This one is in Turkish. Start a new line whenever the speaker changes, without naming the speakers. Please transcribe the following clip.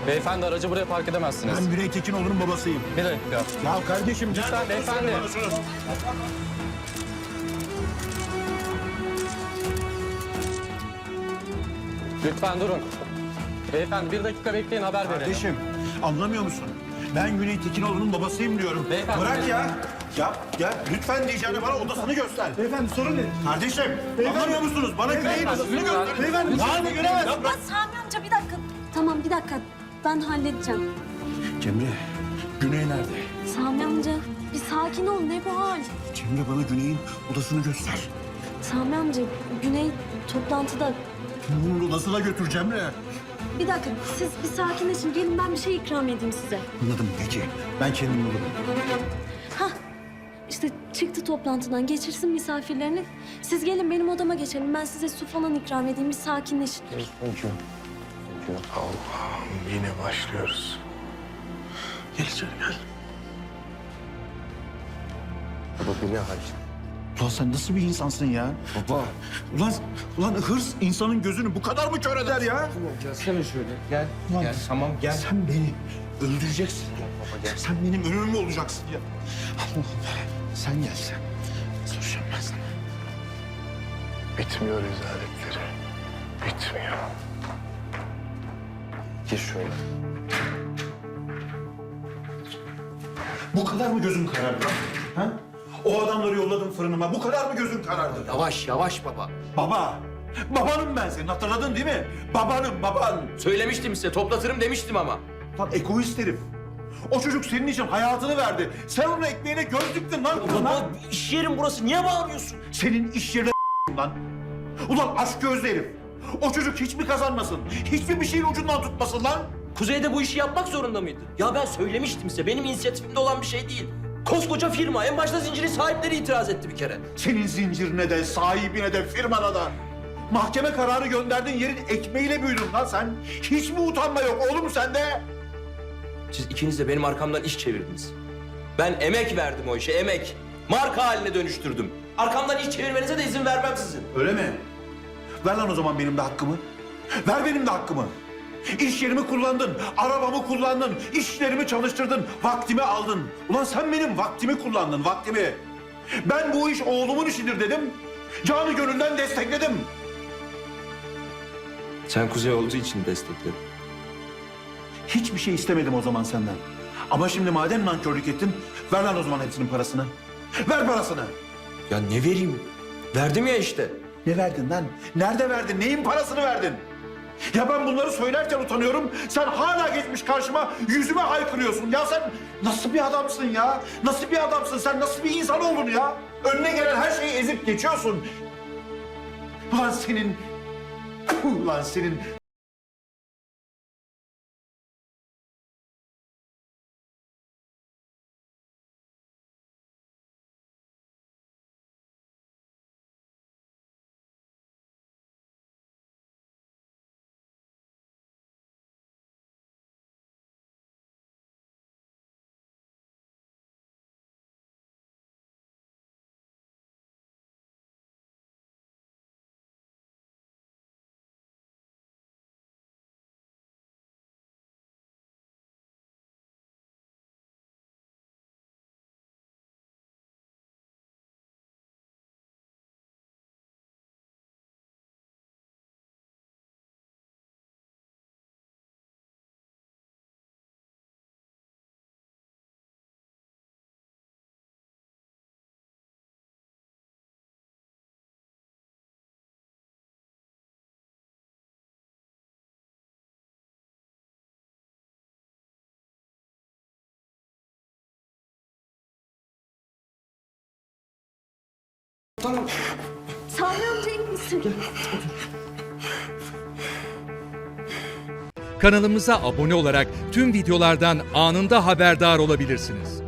Beyefendi aracı buraya park edemezsiniz.
Ben Güney Tekinoğlu'nun babasıyım.
Bir dakika.
Ya kardeşim
Lütfen beyefendi. Lütfen durun. Beyefendi bir dakika bekleyin, haber verelim.
Kardeşim anlamıyor musun? Ben Güney Tekinoğlu'nun babasıyım diyorum.
Beyefendi,
Bırak ya. Ya lütfen diyeceğine bana odasını göster. Beyefendi sorun ne? Kardeşim anlamıyor musunuz? Bana Güney'in odasını
lütfen.
göster. Beyefendi yani göremez.
Ya Sami amca bir dakika. Tamam bir dakika. Ben halledeceğim.
Cemre, Güney nerede?
Sami amca bir sakin ol. Ne bu hal?
Cemre bana Güney'in odasını göster.
Sami amca Güney toplantıda.
Bunun odasına götür Cemre.
Bir dakika siz bir sakinleşin. Gelin ben bir şey ikram edeyim size.
Anladım peki. Ben kendim bulurum.
Hah işte çıktı toplantıdan. Geçirsin misafirlerini. Siz gelin benim odama geçelim. Ben size su falan ikram edeyim. Bir sakinleşin.
Allah'ım yine başlıyoruz. Gel içeri gel.
Baba bu ne hal?
Ulan sen nasıl bir insansın ya?
Baba.
Ulan hırs insanın gözünü bu kadar mı kör eder ya?
Tamam gelsene şöyle. Gel.
Ulan,
Gel tamam gel.
Sen beni öldüreceksin.
Baba gel.
Sen benim ölümüm mü olacaksın ya? Allah'ım sen gel sen. Soracağım ben sana.
Bitmiyor rezaletleri. Bitmiyor.
Gir şöyle.
Bu kadar mı gözün karardı? Ha? O adamları yolladım fırınıma. Bu kadar mı gözün karardı?
Yavaş yavaş baba.
Baba. Babanım ben senin. Hatırladın değil mi? Babanım baban.
Söylemiştim size toplatırım demiştim ama.
Lan egoist herif. O çocuk senin için hayatını verdi. Sen onun ekmeğine göz diktin lan.
Baba iş yerim burası niye bağırıyorsun?
Senin iş yerine lan. Ulan aşk gözlü herif. O çocuk hiç mi kazanmasın? Hiçbir şeyin ucundan tutmasın lan.
Kuzey'de bu işi yapmak zorunda mıydı? Ya ben söylemiştim size benim inisiyatifimde olan bir şey değil. Koskoca firma en başta zincirin sahipleri itiraz etti bir kere.
Senin zincirine de, sahibine de, firmana da. Mahkeme kararı gönderdiğin yerin ekmeğiyle büyüdün lan sen. Hiç mi utanma yok oğlum sende?
Siz ikiniz de benim arkamdan iş çevirdiniz. Ben emek verdim o işe emek. Marka haline dönüştürdüm. Arkamdan iş çevirmenize de izin vermem sizin.
Öyle mi? Ver lan o zaman benim de hakkımı. Ver benim de hakkımı. İş yerimi kullandın, arabamı kullandın, işlerimi çalıştırdın, vaktimi aldın. Ulan sen benim vaktimi kullandın, vaktimi. Ben bu iş oğlumun işidir dedim. Canı gönülden destekledim.
Sen Kuzey olduğu için destekledin.
Hiçbir şey istemedim o zaman senden. Ama şimdi madem nankörlük ettin, ver lan o zaman hepsinin parasını. Ver parasını.
Ya ne vereyim? Verdim ya işte.
Ne verdin lan? Nerede verdin? Neyin parasını verdin? Ya ben bunları söylerken utanıyorum. Sen hala geçmiş karşıma yüzüme haykırıyorsun. Ya sen nasıl bir adamsın ya? Nasıl bir adamsın? Sen nasıl bir insan oldun ya? Önüne gelen her şeyi ezip geçiyorsun. Ulan senin... Ulan senin...
Sami amca iyi misin?
Kanalımıza abone olarak tüm videolardan anında haberdar olabilirsiniz.